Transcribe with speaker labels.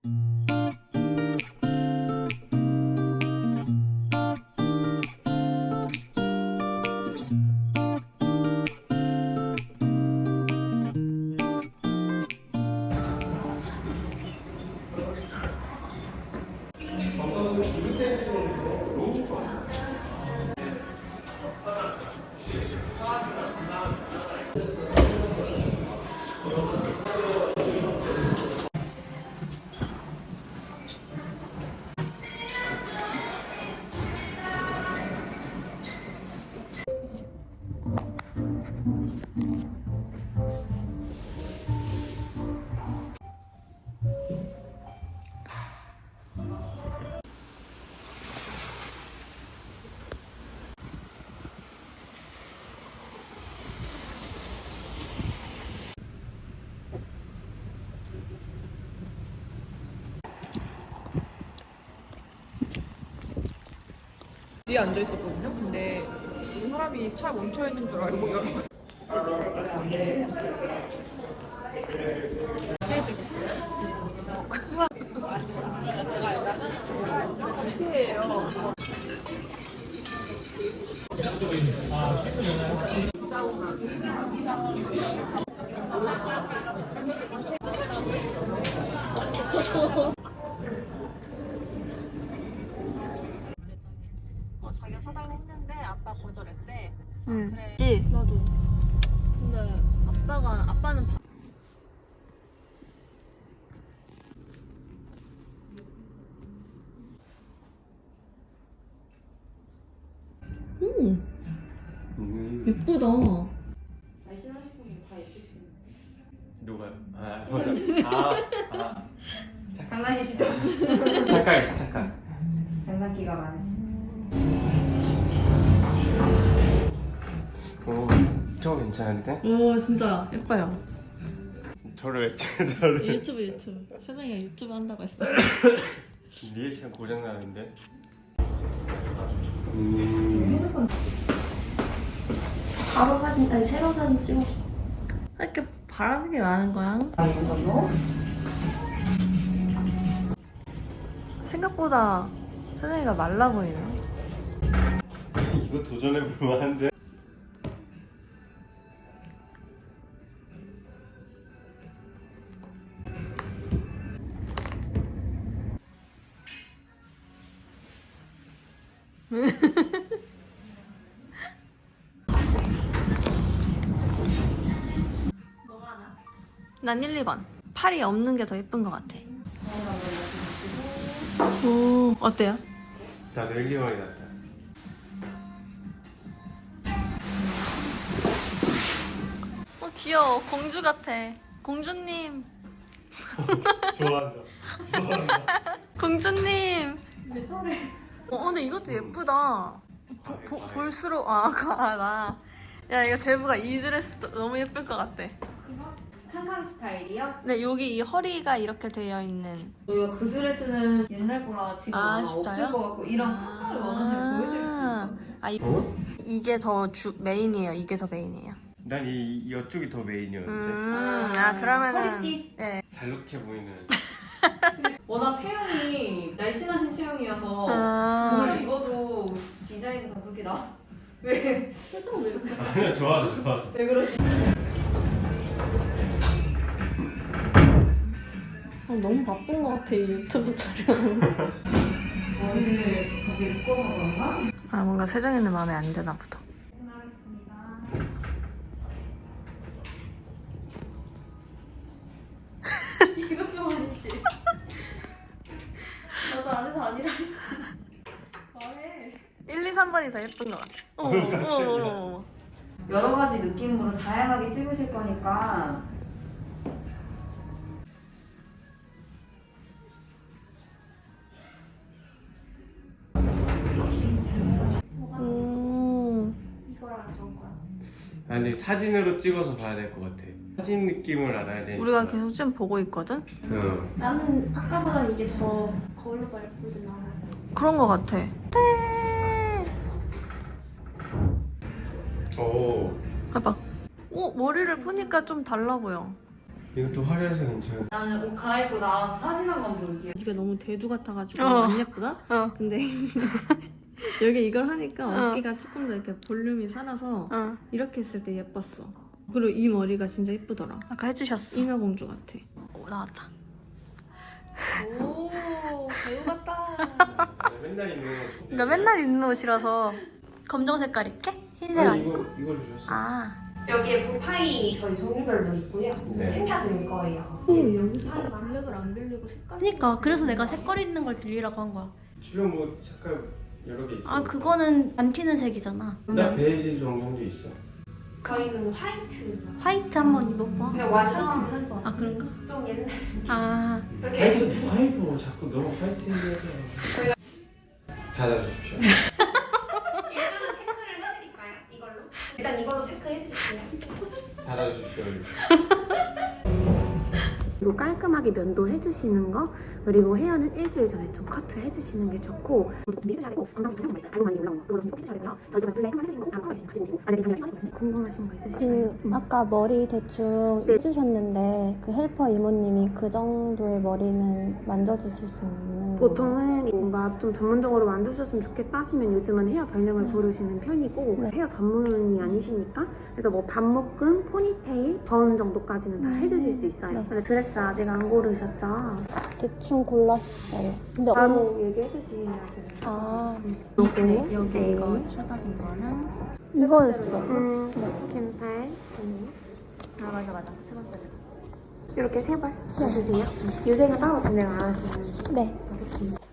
Speaker 1: 뒤에 앉아 있었거든요. 근데 이 사람이 차 멈춰 있는 줄 알고 피해요.
Speaker 2: 자기가 사달라 했는데 아빠 거절했대.
Speaker 3: 응.
Speaker 2: 그래.
Speaker 3: 나도. 근데 아빠는 예쁘다.
Speaker 4: 누가요? 아, 맞아.
Speaker 5: 장난이시죠?
Speaker 4: 착각했어, 착각.
Speaker 5: 장난기가 많으시.
Speaker 4: 오, 저거 괜찮은데?
Speaker 3: 오 진짜 예뻐요.
Speaker 4: 저를 왜 찍어, 저를.
Speaker 3: 유튜브. 세정이가 유튜브 한다고 했어.
Speaker 4: 리액션 고장나는데?
Speaker 6: 바로 사진, 아니 새로 사진 찍어.
Speaker 3: 이렇게 바라는 게 많은 거야. 생각보다 세정이가 말라 보이네.
Speaker 4: 이거 도전해볼 만한데?
Speaker 3: 난 1, 2번. 팔이 없는 게 더 예쁜 것 같아. 오, 어때요?
Speaker 4: 나도 1, 2번이 낫다.
Speaker 3: 귀여워. 공주 같아. 공주님.
Speaker 4: 좋아한다.
Speaker 3: 공주님. 왜 저래? 근데 이것도 예쁘다. 볼수록 그거 알아. 야, 이거 제부가 이 드레스 너무 예쁠 것 같아.
Speaker 5: 칸칸 스타일이요?
Speaker 3: 네, 여기 이 허리가 이렇게 되어 있는.
Speaker 5: 저희가 그 드레스는 옛날 거라 지금 아마
Speaker 3: 진짜요?
Speaker 5: 없을 것 같고 이런 칸칸을 원하면 보여드릴 수 있어요.
Speaker 3: 이게 더 메인이에요. 이게 더 메인이에요.
Speaker 4: 난 이쪽이 더 메인이었는데.
Speaker 3: 그러면은.
Speaker 5: 허리띠?
Speaker 3: 네.
Speaker 4: 잘록해 보이는.
Speaker 5: 워낙 체형이 날씬하신 체형이어서 뭘 입어도 디자인이 다 그렇게 나. 왜? 표정 왜 이렇게?
Speaker 4: 아니야, 좋아서.
Speaker 5: 왜 그러시?
Speaker 3: 너무 바쁜 것 같아, 이 유튜브 촬영.
Speaker 5: 머리를 거기 묶어서 그런가?
Speaker 3: 뭔가 세정이는 마음에 안 드나 보다.
Speaker 5: 이것 좀 아니지? 나도 안해서 아니라 했어. 말해.
Speaker 3: 1, 2, 3번이 더 예쁜 것 같아.
Speaker 5: 여러 가지 느낌으로 다양하게 찍으실 거니까
Speaker 6: 이거랑 저거랑.
Speaker 4: 아, 근데 사진으로 찍어서 봐야 될 것 같아. 사진 느낌을 알아야 되니까.
Speaker 3: 우리가 계속 지금 보고 있거든?
Speaker 4: 응.
Speaker 6: 나는 아까보다 이게 더 거울로 예쁘지 않아?
Speaker 3: 그런 것 같아.
Speaker 4: 오.
Speaker 3: 봐봐. 머리를 푸니까 좀 달라 보여.
Speaker 4: 이것도 화려해서 괜찮아.
Speaker 5: 나는 옷 갈아입고 나와서 사진 한 번 보여줄게.
Speaker 3: 네가 너무 대두 같아가지고
Speaker 5: 어.
Speaker 3: 안 예쁘다? 근데 여기 이걸 하니까 어깨가 조금 더 이렇게 볼륨이 살아서 이렇게 했을 때 예뻤어. 그리고 이 머리가 진짜 예쁘더라.
Speaker 7: 아까 해주셨어.
Speaker 3: 인어공주 같아.
Speaker 7: 오, 나왔다.
Speaker 2: 오 배우 같다.
Speaker 4: 맨날 입는 거.
Speaker 7: 나 맨날 입는 옷이라서 검정 색깔 입게? 흰색 아니고?
Speaker 4: 이거 주셨어.
Speaker 7: 아,
Speaker 6: 여기에 보타이 저희 종류별로 있고요.
Speaker 4: 네.
Speaker 6: 챙겨드릴 거예요.
Speaker 3: 여기 사이 블랙을 안 빌리고 색깔.
Speaker 7: 그니까 그래서 내가 색깔 있는 걸 빌리라고 한 거야.
Speaker 4: 주변 뭐 색깔 여러 개 있어.
Speaker 7: 아, 그거는 안 튀는 색이잖아.
Speaker 4: 나 베이지 정도도 있어.
Speaker 6: 저희는 화이트.
Speaker 7: 화이트 한번 입어봐.
Speaker 6: 그냥 완전
Speaker 7: 아, 그런가?
Speaker 6: 좀 옛날.
Speaker 7: 아,
Speaker 4: 화이트 누가 입어? 자꾸 너무 화이트 얘기해서. 닫아주십시오.
Speaker 6: 일단은 체크를 해드릴까요? 이걸로? 일단 이걸로 체크해드릴게요.
Speaker 4: 닫아주십시오.
Speaker 6: 그리고 깔끔하게 면도 해주시는 거, 그리고 헤어는 일주일 전에 좀 커트 해주시는 게 좋고, 밀도 잘되고 건강 좀 있어요. 알고 많이 올라온 거, 그걸로 좀 꼭 해줘야 되고요. 저희가 블랙 한번 해드리는 거, 다음 컬러 있으시면 같이 보시고, 만약에 궁금하신 거 있으실까요?
Speaker 8: 아까 머리 대충 해주셨는데 그 헬퍼 이모님이 그 정도의 머리는 만져주실 수 있는
Speaker 6: 보통은 뭔가 좀 전문적으로 만드셨으면 좋겠다 하시면 요즘은 헤어 변형을 부르시는 편이고
Speaker 8: 네.
Speaker 6: 헤어 전문이 아니시니까 그래서 뭐 반묶음, 포니테일, 전 정도까지는 다 해주실 수 있어요.
Speaker 8: 네.
Speaker 6: 근데 드레스 아직 안 고르셨죠?
Speaker 8: 대충 골랐어요. 근데
Speaker 6: 바로 얘기해 주시면 돼요.
Speaker 8: 아
Speaker 6: 요거,
Speaker 3: 여기 이거 추가된 거랑
Speaker 8: 이거였어.
Speaker 6: 캔팔
Speaker 3: 아 맞아 세 번째.
Speaker 6: 이렇게 세 발 해주세요. 유생은 따로 진행 안 하시면
Speaker 8: 네.